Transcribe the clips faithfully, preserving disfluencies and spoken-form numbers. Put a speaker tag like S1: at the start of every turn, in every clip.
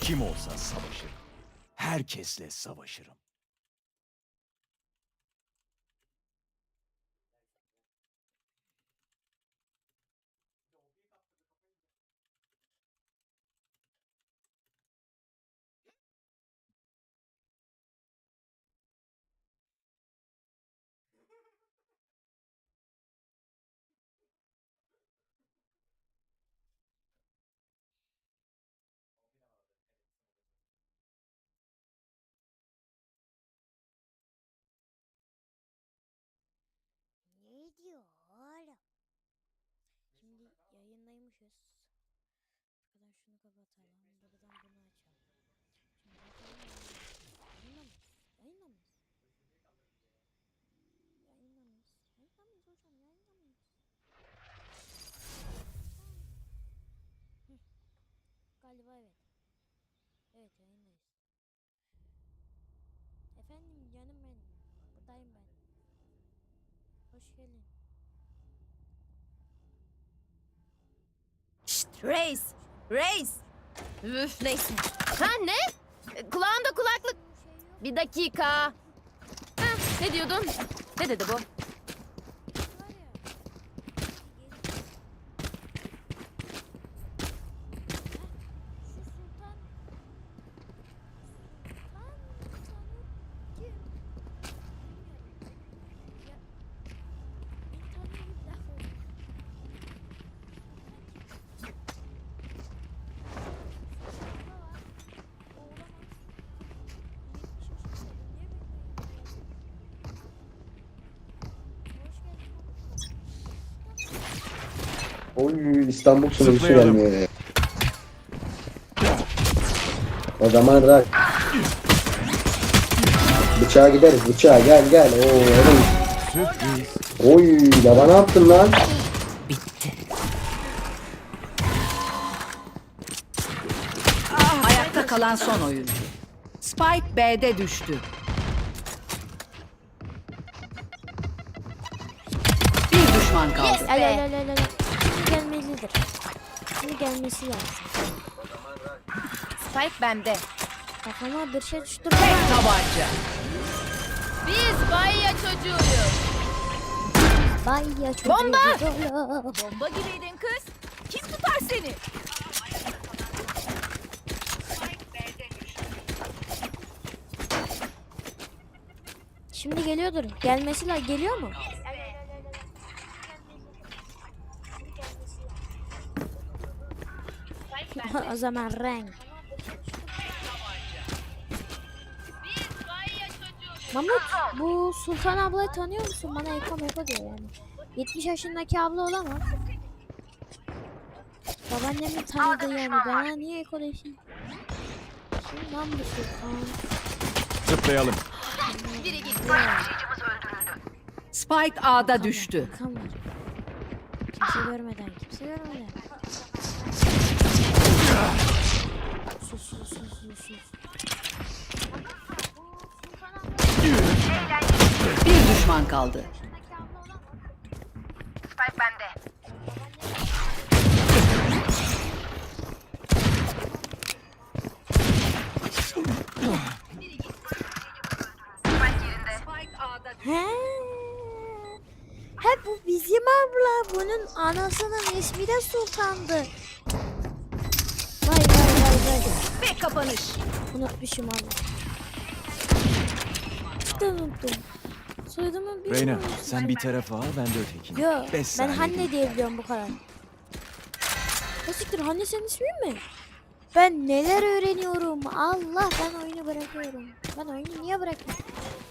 S1: Kim olsa savaşırım. Herkesle savaşırım.
S2: Ne diyor oğlum? Şimdi yayındaymışız. Arkadan şunu kapatalım. Buradan bunu açalım. Şimdi bakalım yayında mıyız? Yayında mıyız? Yayında mıyız? Yayında mıyız hocam? Yayında mıyız? Hı. Galiba evet. Evet yayındayız. Efendim canım benim. Buradayım ben. Hoş geldin.
S3: Şşt, Reis! Reis! Üf, neyse. Ha ne? E, Kulağında kulaklık. Bir dakika. Ha, ne diyordun? Ne dedi bu?
S2: Var ya. Şu sultan. Sultan sanır kim? Ya. Bir tane bir laf oldu.
S4: Oy İstanbul sunucusu
S1: Zıplayalım.
S4: gelmiyor ya. O zaman rak. Bıçağa gideriz bıçağa gel gel. Oo oğlum.
S1: Sürpriz.
S4: Oy baba ne yaptın lan?
S5: Ayakta kalan son oyuncu. Spike B'de düştü. Bir düşman kaldı.
S2: Al al al al al. Şimdi gelmelidir. Şimdi gelmesi lazım.
S3: Spike bende.
S2: Kafama bir şey düştü.
S5: Tek tabanca.
S3: Biz Bayya çocuğuyuz.
S2: Bay ya çocuğu.
S3: Bomba! Bomba gibiydin kız. Kim tutar seni?
S2: Şimdi geliyordur. Gelmesi lazım. Geliyor mu? O zaman renk. Mahmut bu Sultan ablayı tanıyor musun? Bana Eko Meko diyor yani. yetmiş yaşındaki abla olamaz. Babaannemin tanıdığı yani. Bana niye Eko desin? Kim lan bu Sultan?
S1: Zıplayalım.
S3: Biri gitti.
S5: Spike A'da düştü.
S2: Bakan var. Kimse görmeden, kimse görmeden. Sus sus sus sus sus.
S5: Bir düşman kaldı.
S2: He. He bu bizim abla. Bunun anasının ismi de Sultan'dı. Vay vay vay vay.
S3: Ve kapanış.
S2: Unutmuşum abla. Cidden unuttum. Soyadımı bilmiyorum.
S1: Reyna sen bir tarafa al ben de ötekini.
S2: Yo
S1: Beş
S2: ben
S1: saniye
S2: Hanne
S1: değil.
S2: diye biliyorum bu kadar. Nasıldır Hanne senin ismin mi? Ben neler öğreniyorum. Allah ben oyunu bırakıyorum. Ben oyunu niye bırakıyorum?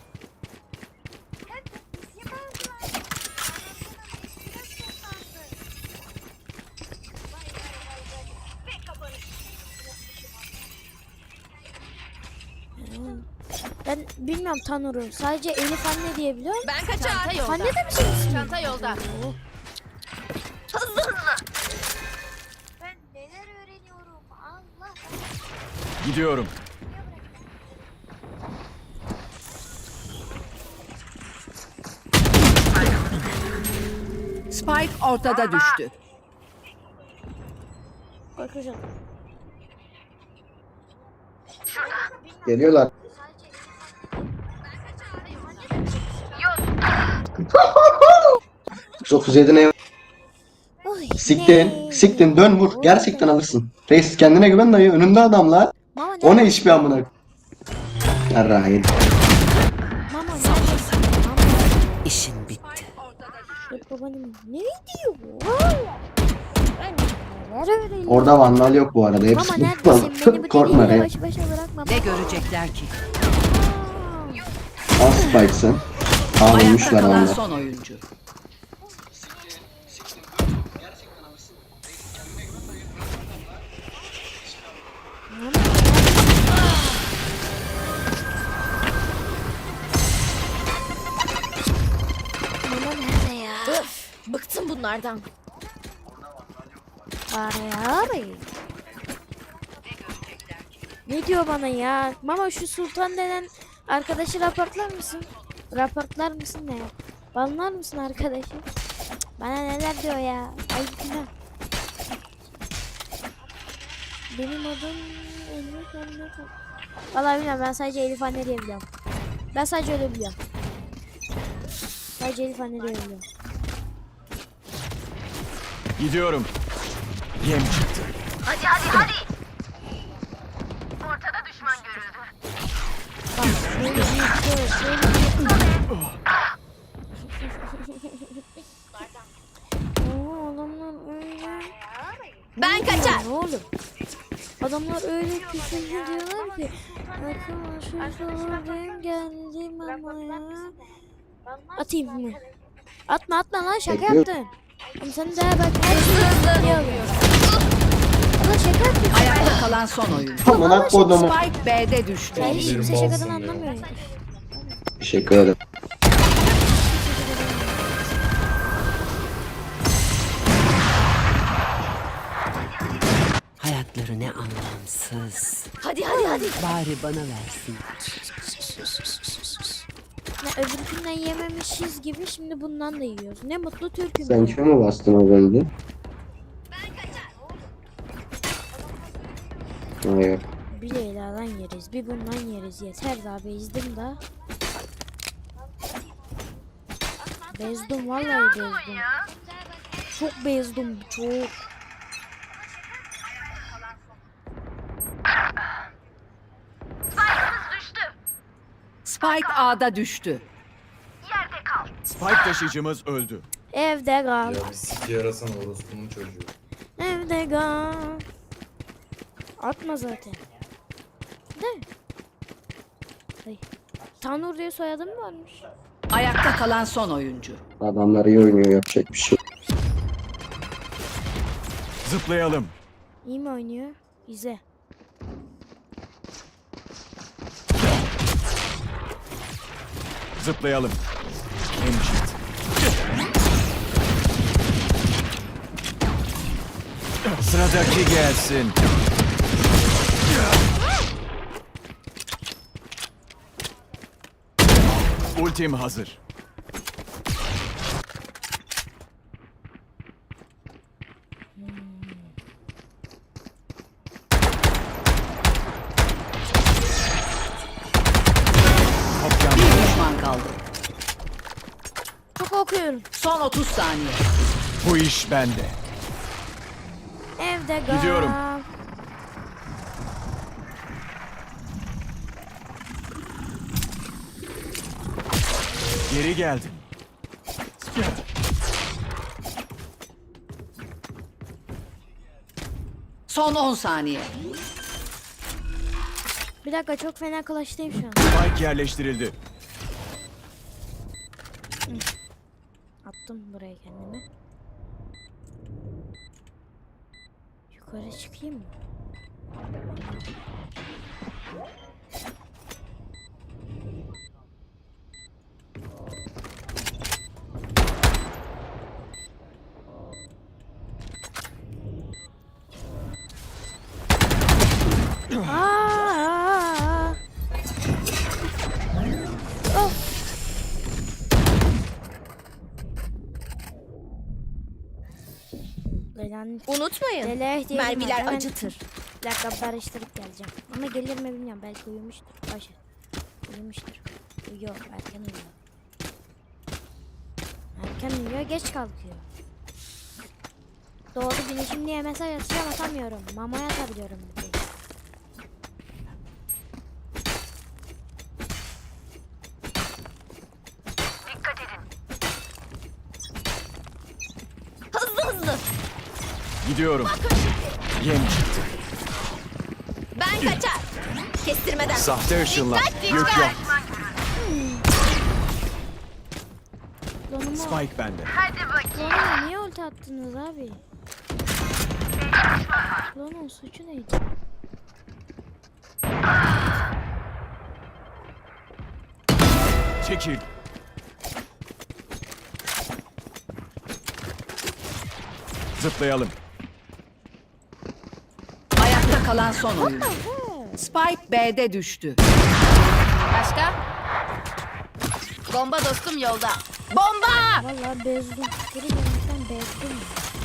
S2: Hmm. Ben bilmiyorum Tanur'u. Sadece Elif Anne diye biliyorum.
S3: Ben kaçar. Çanta yolda.
S2: Anne de mi senin ismin?
S3: Çanta yolda.
S2: Oo.
S3: Hızlı hızlı.
S2: Ben neler öğreniyorum. Allah.
S1: Gidiyorum.
S5: Spike ortada düştü.
S2: Korkacağım.
S4: Geliyorlar. yüz otuz yedi ne?
S2: Oy,
S4: Siktin.
S2: ne?
S4: Siktin. Dön vur. Gerçekten alırsın. Reis kendine güven dayı. Önünde adamlar.
S2: Mama
S4: O ne
S2: nerede?
S4: iş bir amına? Yarrağın.
S2: Mama neredesin? Mama.
S5: İşin bitti.
S2: Yok babanım. Ne diyor bu? Ben neler öğreniyorum?
S4: Orada vandal yok bu arada.
S2: Mama
S4: Hepsi
S2: neredesin? Beni bu
S4: korkma
S2: deliyle
S4: Reis.
S2: baş başa bırakma.
S5: Ne görecekler ki?
S4: Al Spike'sın. Aa
S5: Ayakta
S4: ölmüşler
S5: kalan
S4: onlar.
S5: son oyuncu.
S2: Mama nerede ya?
S3: Öf, bıktım bunlardan.
S2: Var ya abi. Ne diyor bana ya? Mama şu Sultan denen arkadaşı raportlar mısın? Raportlar mısın ne? Banlar mısın arkadaşı? Cık, bana neler diyor ya? Ayıp günah. Benim adım Elif Anne. Vallahi bilmiyorum, ben sadece Elif Anne diye biliyorum. Ben sadece öyle biliyorum. Sadece Elif Anne diye biliyorum.
S1: Gidiyorum. Yem çıktı.
S3: Hadi hadi hadi. Ortada düşman görüldü.
S2: Bak şöyle bir şöyle şöyle bir. Oo, adamlar öyle.
S3: Ben kaçar.
S2: Ne oğlum? Adamlar öyle küfür diyorlar ki. Arkadaşlar ben geldim ama ya. Atayım mı? Atma atma lan, şaka
S4: Bekliyorum.
S2: yaptın. Oğlum sen de bak her şeyi diye alıyorsun. Ulan şaka yaptın.
S5: Ayakta kalan son oyuncu.
S4: Amına kodumu.
S5: Spike B'de düştü.
S2: Ya hiç kimse şakadan anlamıyor. ya.
S4: Teşekkür ederim.
S5: Hayatları ne anlamsız.
S3: Hadi hadi hadi.
S5: Bari bana versin.
S2: Ne öbürkünden yememişiz gibi şimdi bundan da yiyoruz. Ne mutlu Türk'üm.
S4: Sen
S2: ya.
S4: kime mi bastın az önce? Hayır.
S2: Bir Leyla'dan yeriz, bir bundan yeriz. Yeter daha bezdim da. Bezdim vallahi bezdim. Çok bezdim, çok.
S5: Spike A'da düştü.
S1: Spike taşıyıcımız öldü.
S2: Evde kal,
S6: Ya bir siki yarasana orospunun çocuğu.
S2: evde kal. Atma zaten. De. Ay. Tanur diye soyadım varmış.
S5: Ayakta kalan son oyuncu.
S4: Adamlar iyi oynuyor, yapacak bir şey.
S1: Zıplayalım.
S2: İyi mi oynuyor? İzle.
S1: Zıplayalım. Yem çıktı. Sıradaki gelsin. Ultim hazır. Kopyan.
S5: Bir düşman kaldı.
S2: Çok okuyorum.
S5: Son otuz saniye.
S1: Bu iş bende.
S2: Evde kal.
S1: Gidiyorum. Geri geldim.
S5: Son on saniye.
S2: Bir dakika, çok fena clash'tayım şu an.
S1: Spike yerleştirildi.
S2: Attım buraya kendimi. Yukarı çıkayım mı? Aa! Of! Leyla'nın
S3: Unutmayın.
S2: Leyla'ya ihtiyacım var.
S3: Mermiler
S2: Hemen
S3: acıtır.
S2: Bir dakika, barıştırıp geleceğim. Ama gelir mi bilmiyorum. Belki uyumuştur. Ayşe. Uyumuştur. Uyuyor. Erken uyuyor. Erken uyuyor. Geç kalkıyor. Doğru güneşim diye mesaj atacağım, atamıyorum. Mamaya atabiliyorum. bir tek.
S3: Hızlı hızlı.
S1: Gidiyorum. Yem çıktı.
S3: Ben kaçar. Kestirmeden.
S1: Sahte ışınlar.
S3: Dikkat, dikkat.
S1: Gök yok.
S2: Donumu,
S1: Spike bende.
S2: Donuma niye ulti attınız abi? Donun suçu neydi?
S1: Çekil. Zıplayalım.
S5: Ayakta kalan son oyuncu. Spike B'de düştü.
S3: Başka? Bomba dostum yolda. Bomba!
S2: Vallahi bezdim. Geri dönmekten bezdim.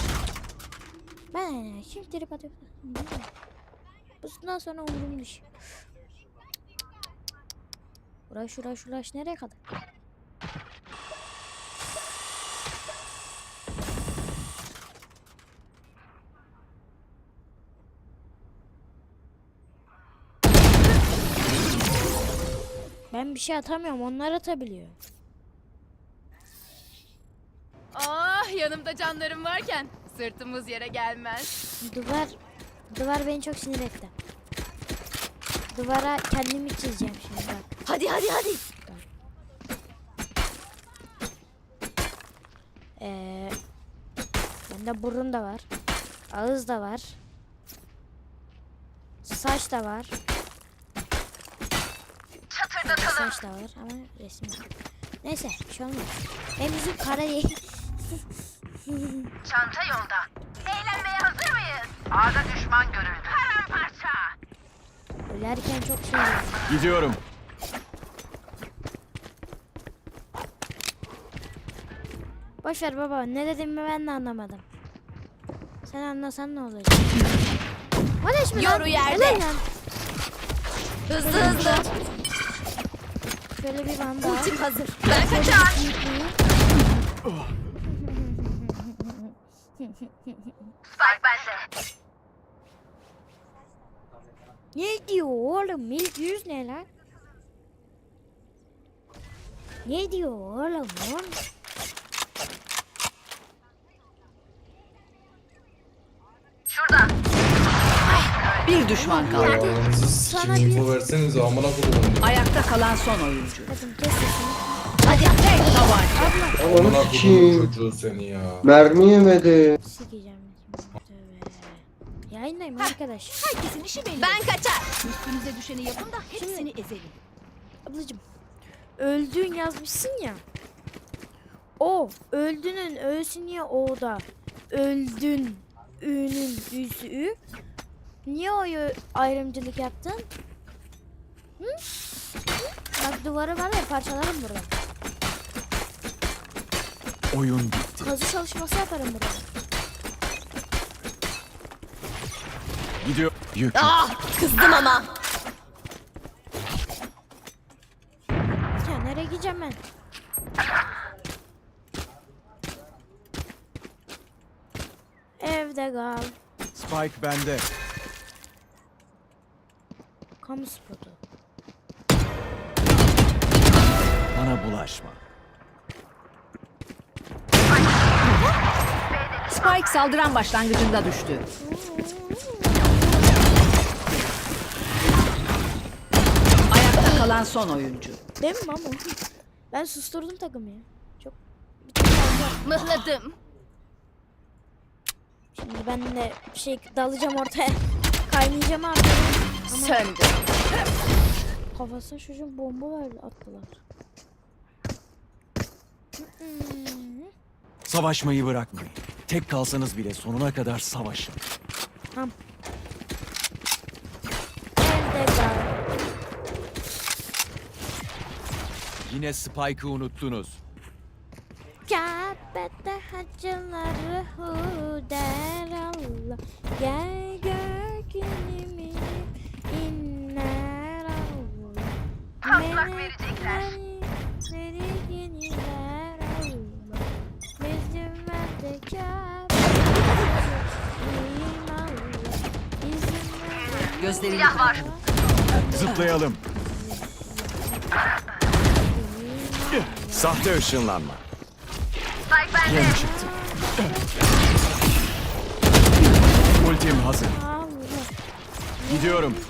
S2: Ben şimdi trip atıyorum. Bundan sonra umurum dışı. Uğraş uğraş uğraş nereye kadar? Ben bir şey atamıyorum, onlar atabiliyor.
S3: Ah, yanımda canlarım varken sırtımız yere gelmez.
S2: Duvar, duvar beni çok sinir etti. Duvara kendimi çizeceğim şimdi bak.
S3: Hadi hadi hadi.
S2: Ee, bende burun da var. Ağız da var. Saç da var. Saç da var ama resim yok. Neyse bir şey olmaz. Hem yüzüm kara değil.
S7: Çanta yolda. Eğlenmeye hazır mıyız? A'da düşman görüldü. Paramparça.
S2: Ölerken çok şey oluyor.
S1: Gidiyorum.
S2: Boşver baba, ne dediğimi ben de anlamadım. Sen anlasan ne olacak? Ateş mi lan?
S3: Yoru yerde.
S2: Helal lan.
S3: Hızlı hızlı.
S2: Şöyle bir banda.
S3: Ultim hazır. Ben kaçar.
S7: Spike bende.
S2: Ne diyor oğlum? İlk yüz ne lan? Ne diyor oğlum lan?
S7: Şurada.
S5: Bir düşman
S6: Ya
S5: kaldı.
S6: ananızı
S2: Sana
S6: sikim
S2: bir-
S6: info verseniz amına koyayım.
S5: Ayakta kalan son oyuncu.
S2: Kadın kes sesini.
S5: Hadi tek tabanca.
S6: Amına
S4: Onu
S6: koyayım
S4: sikeyim.
S6: çocuğu seni ya.
S4: Mermi yemedi.
S2: Sikeceğim. Tövbe. Yayındayım arkadaş.
S5: Herkesin işi belli.
S3: Ben kaçar.
S5: Üstünüze düşeni yapın da hepsini ezelim.
S2: Ablacım. Öldün yazmışsın ya. O. Öldünün ö'sü niye o'da? Öldün. Ü'nün ü'sü ü. Niye o'yu ayrımcılık yaptın? Hı? Hı? Bak duvarı var ya, parçalarım burada.
S1: Oyun bitti.
S2: Kazı çalışması yaparım burada.
S1: Gidiyor. Yük.
S3: Ah, kızdım ama.
S2: Ya nereye gideceğim ben? Evde kal.
S1: Spike bende.
S2: Kamu spotu.
S1: Bana bulaşma.
S5: Spike saldıran başlangıcında düştü. Ayakta kalan son oyuncu.
S2: Değil mi ama? Ben susturdum takımı ya. Çok bir tık fazla.
S3: Mıhladım.
S2: Şimdi ben de şey dalacağım ortaya. Kaynayacağım abi. Ama
S3: Söndü.
S2: kafasına çocuğun bomba verdi, attılar. Hmm.
S1: Savaşmayı bırakmayın. Tek kalsanız bile sonuna kadar savaşın.
S2: Tamam. Evde kal.
S1: Yine Spike'ı unuttunuz.
S2: Kabe'de hacıları hu der Allah. Gel gör günümü in
S7: hak verecekler.
S5: Gözlerini
S7: Silah var.
S1: Zıplayalım. Sahte ışınlanma.
S7: Spike bende.
S1: Yem çıktı. Ultim hazır. Gidiyorum.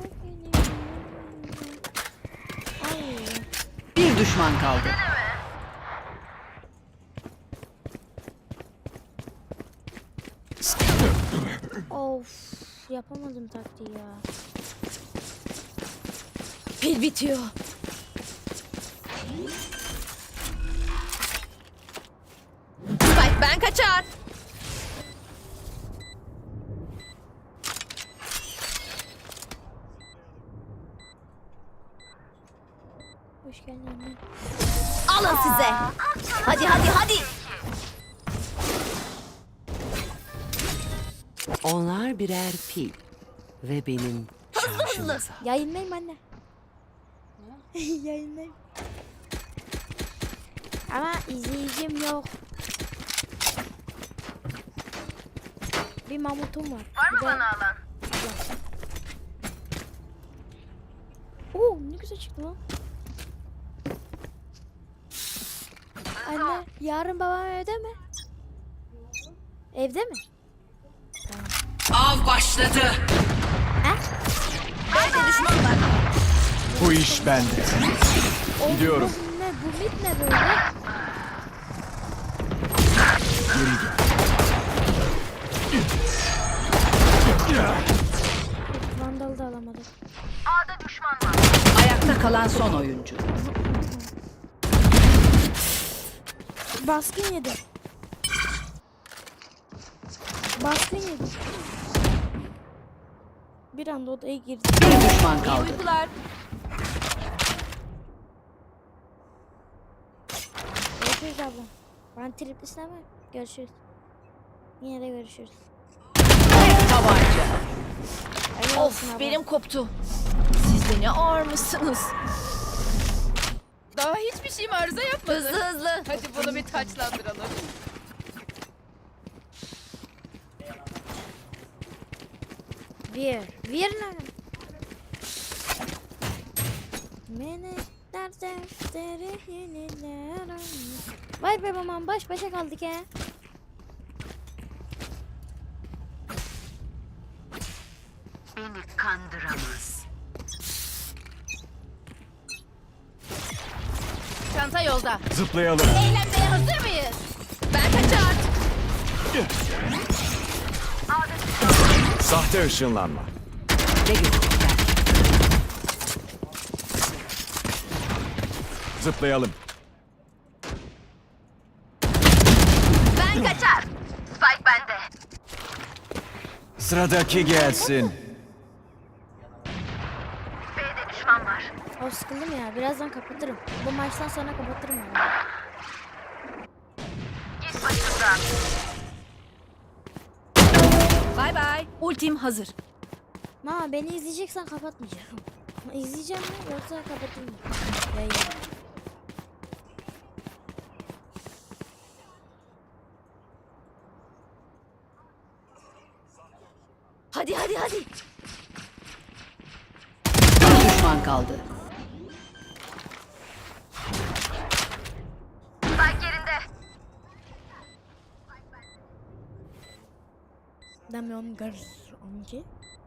S5: bir düşman kaldı.
S2: Of, yapamadım taktiği ya.
S3: Pil bitiyor. Spike ben kaçar.
S2: Hoş geldin anne.
S3: Alın size. Hadi hadi hadi.
S5: Onlar birer pil. Ve benim şarjımıza.
S2: Yayınlayayım anne. Yayınlayayım. Ama izleyicim yok. Bir mamutum var.
S7: Var mı
S2: Bir de-
S7: bana alan?
S2: Oo, ne güzel çıktı lan. Anne, yarın babam evde mi? Evde mi?
S5: Av başladı.
S3: Bende düşman var.
S1: Bu iş bende. Gidiyorum.
S2: Bu ne? Bu mit ne böyle?
S1: Geri gel.
S2: Vandal da alamadım.
S7: A'da düşman var.
S5: Ayakta kalan son oyuncu.
S2: Baskın yedi. Baskın yedi. Bir anda odaya girdi.
S5: Bir düşman
S3: İyi
S5: kaldı.
S3: uykular.
S2: Görüşürüz abla. Ben triplisine mi? Görüşürüz. Yine de görüşürüz.
S5: Tek tabanca.
S2: Hayırlı olsun abla.
S3: Of benim koptu. Siz de ne ağır mısınız?
S8: Daha hiçbir şeyim arıza yapmadı.
S3: Hızlı hızlı.
S8: Hadi bunu bir taçlandıralım.
S2: Bir. Bir ne? Menekler defteri yeniler almış. Vay be babam, baş başa kaldık he.
S7: Beni kandıramaz.
S3: Çanta yolda.
S1: Zıplayalım.
S3: Eğlenmeye hazır mıyız? Ben kaçar.
S1: Sahte ışınlanma.
S5: Ne görecekler?
S1: Zıplayalım.
S7: Ben kaçar. Spike bende.
S1: Sıradaki gelsin.
S7: B'de düşman var.
S2: O sıkıldım ya, birazdan kapatırım. Bu maçtan sonra kapatırım yani.
S7: Git başımdan.
S3: Bay bay. Ultim hazır.
S2: Mama, beni izleyeceksen kapatmayacağım. İzleyeceğim mi yoksa kapatayım mı? Yayın.
S3: Hadi hadi hadi.
S5: Bir düşman kaldı.
S7: Spike yerinde.
S2: Damian Gar amca.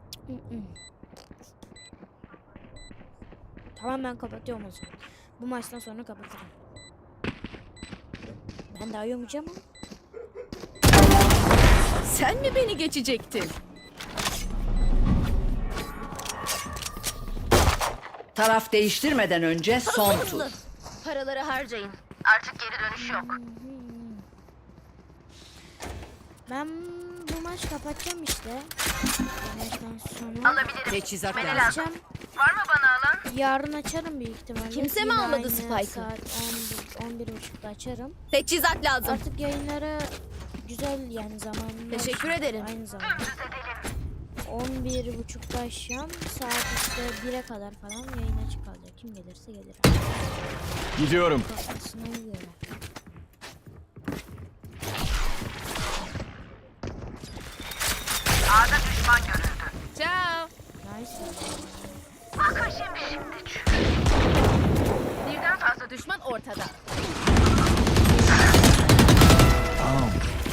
S2: Tamam, ben kapatıyorum o zaman. Bu maçtan sonra kapatırım. Ben daha uyumayacağım ama.
S3: Sen mi beni geçecektin?
S5: Taraf değiştirmeden önce son tur.
S3: Hızlı. Paraları harcayın.
S7: Artık geri dönüş yok.
S2: Ben bu maç kapatacağım işte. Bu maçtan sonra
S7: Alabilirim.
S5: Teçhizat
S7: Beni
S5: lazım.
S7: lazım.
S2: açacağım.
S7: Var mı bana alan?
S2: Yarın açarım büyük ihtimalle.
S3: Kimse mi
S2: Yine
S3: almadı
S2: aynı
S3: Spike'ı?
S2: Saat on bir, on bir buçukta açarım.
S3: Teçhizat lazım.
S2: Artık yayınları güzel yani zamanında.
S3: Teşekkür ederim.
S2: Aynı zamanda. on bir buçukta akşam saat işte bire kadar falan yayın açık kalacak. Kim gelirse gelir.
S1: Gidiyorum.
S2: Kafasına göre.
S7: A'da düşman görüldü.
S3: Ciao.
S2: Nice.
S7: Bakın şimdi şimdi.
S3: Birden fazla düşman ortada.
S1: Tamam.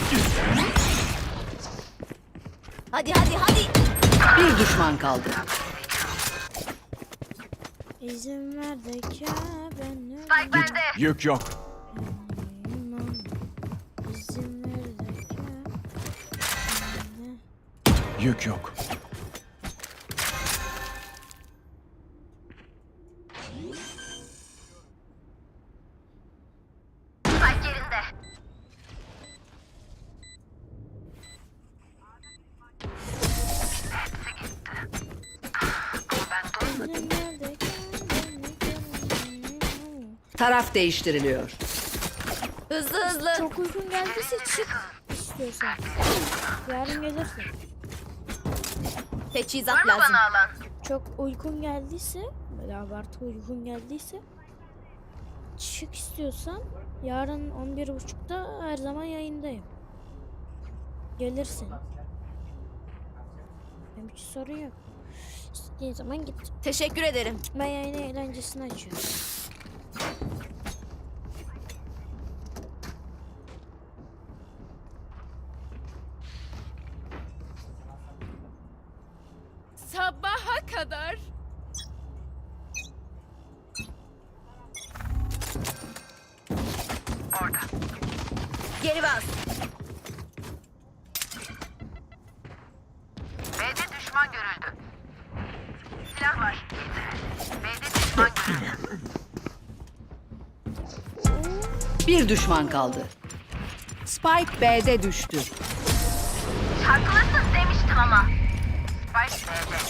S3: Hadi hadi hadi.
S5: Bir düşman kaldı.
S2: İzin ver de ki ben
S7: Spike bende.
S1: Yük yok.
S2: öleyim. İzin ver de ki ben
S1: Yük yok.
S7: Spike yerinde.
S2: İzin ver de ki ben
S5: Taraf değiştiriliyor.
S3: Hızlı hızlı.
S2: Çok uygun geldiyse çık istiyorsan. Yarın gelirsin.
S3: Teçhizat
S7: Var mı
S3: lazım.
S7: bana alan?
S2: Çok uykun geldiyse, böyle abartı uykun geldiyse çık istiyorsan yarın on bir buçukta her zaman yayındayım. Gelirsin. Benim hiç sorun yok. İstediğin zaman git.
S3: Teşekkür ederim.
S2: Ben yayını eğlencesini açıyorum.
S8: Sabaha kadar.
S3: Geri bas.
S7: B'de düşman görüldü. Silah var. B'de düşman görüldü.
S5: Bir düşman kaldı. Spike B'de düştü.
S7: Haklısın demiştim ama. Spike B'de.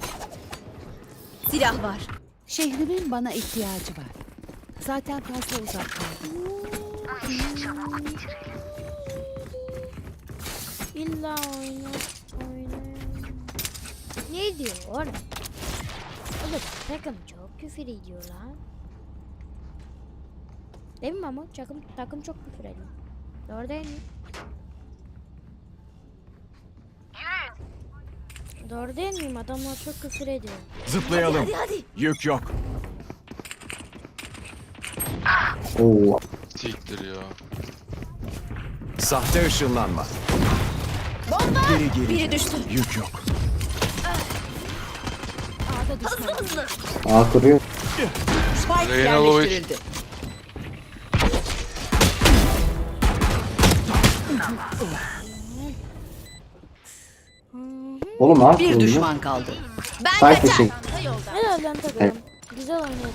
S3: Silah var.
S5: Şehrimin bana ihtiyacı var. Zaten fazla uzak kaldım.
S7: Bu işi çabuk bitirelim.
S2: İlla oyna, oyna. Ne diyor oğlum? Oğlum takım çok küfür ediyor lan. Değil mi Mahmut? Takım, takım çok küfür ediyor. Doğru değil mi?
S7: Yürüyün.
S2: Doğru değil miyim? Adamlar çok küfür ediyor.
S1: Zıplayalım.
S3: Hadi hadi.
S1: Yük yok.
S4: Oo.
S9: Siktir ya.
S1: Sahte ışınlanma.
S3: Bomba.
S1: Geri geri.
S3: Biri düştü.
S1: Yük yok.
S3: Hızlı hızlı.
S4: A kuruyor.
S5: Spike
S9: Reyna Lovic.
S5: yerleştirildi.
S4: Oğlum A
S5: Bir
S4: kuruyor.
S5: düşman kaldı.
S3: Ben
S4: Spike
S3: kaçar.
S4: dışı.
S3: Çanta yolda.
S2: Helal lan takım.
S4: Evet.
S2: Güzel oynadı.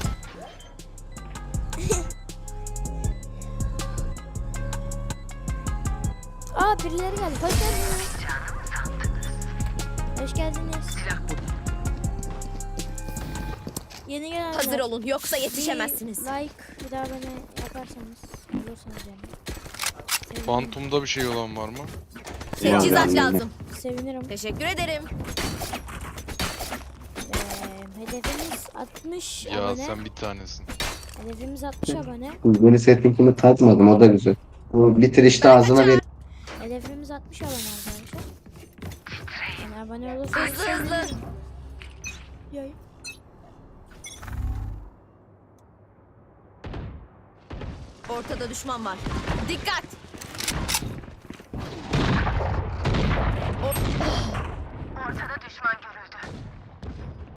S2: Aa birileri geldi. Hoş geldiniz. Hoş geldiniz. Yeni gelenler.
S3: Hazır olun yoksa
S2: Bir
S3: yetişemezsiniz.
S2: like bir daha bana yaparsanız olursanız yani. Sevinirim.
S9: Phantom'da bir şey olan var mı?
S3: Teçhizat
S4: Yani.
S3: lazım.
S2: Sevinirim.
S3: Teşekkür ederim.
S2: Ee, hedefimiz altmış
S9: Ya
S2: abone.
S9: sen bir tanesin.
S2: Hedefimiz altmış abone.
S4: Yeni settingimi takmadım, o da güzel. Bu bitir işte ağzına ver.
S2: Hedefimiz altmış abone arkadaşlar. Yani abone olursanız
S3: Hızlı hızlı.
S2: sevinirim. Yay.
S3: Ortada düşman var. Dikkat.